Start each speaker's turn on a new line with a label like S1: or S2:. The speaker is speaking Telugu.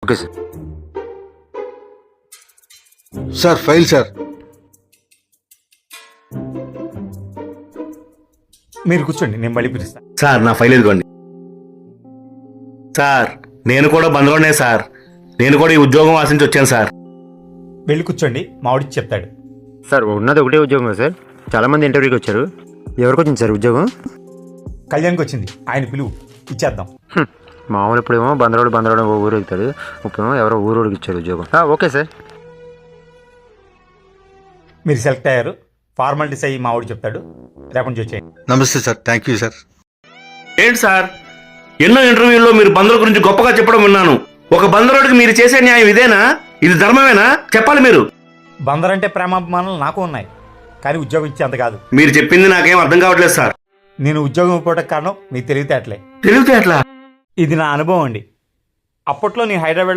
S1: Okay sir.
S2: Sir file sir.
S3: మీరు కూర్చోండి, నేను మళ్ళీ పిలుస్తాను.
S4: సార్ నా ఫైల్ ఇదిగోండి. సార్ నేను కూడా బంద్లోనే సార్. నేను కూడా ఈ ఉద్యోగం ఆశించి వచ్చాను సార్.
S3: వెళ్ళి కూర్చోండి, మావిడికి చెప్తాడు.
S1: సార్ ఉన్నది ఒకటే ఉద్యోగం సార్. చాలామంది ఇంటర్వ్యూకి వచ్చారు. ఎవరికి వచ్చింది సార్ ఉద్యోగం?
S3: కళ్యాణ్కి వచ్చింది, ఆయన పిలువు, ఇచ్చేద్దాం.
S1: మామూలు ఇప్పుడేమో బందరోడు ఊరు వెళ్తాడు. ఇప్పుడేమో ఎవరో ఊరోడికి ఇచ్చారు ఉద్యోగం. Okay sir.
S3: మీరు సెలెక్ట్ అయ్యారు. ఫార్మాలిటీస్ అయ్యి మావిడి చెప్తాడు, రేపటి నుంచి వచ్చేయండి.
S2: నమస్తే సార్, థ్యాంక్ యూ సార్.
S4: ఏంటి సార్, ఎన్నో ఇంటర్వ్యూల్లో మీరు బందర్ గురించి గొప్పగా చెప్పడం విన్నాను. ఒక బందరోడికి మీరు చేసే న్యాయం ఇదేనా? ఇది ధర్మమేనా? చెప్పాలి మీరు.
S3: బందర్ అంటే ప్రేమాభిమానాలు నాకు ఉన్నాయి, కానీ ఉద్యోగం ఇచ్చేంత కాదు.
S4: మీరు చెప్పింది నాకేం అర్థం కావట్లేదు సార్.
S3: నేను ఉద్యోగం ఇవ్వడానికి కారణం మీ తెలివితేటలే.
S4: తెలివితే అట్లా
S3: ఇది నా అనుభవం అండి. అప్పట్లో నేను హైదరాబాద్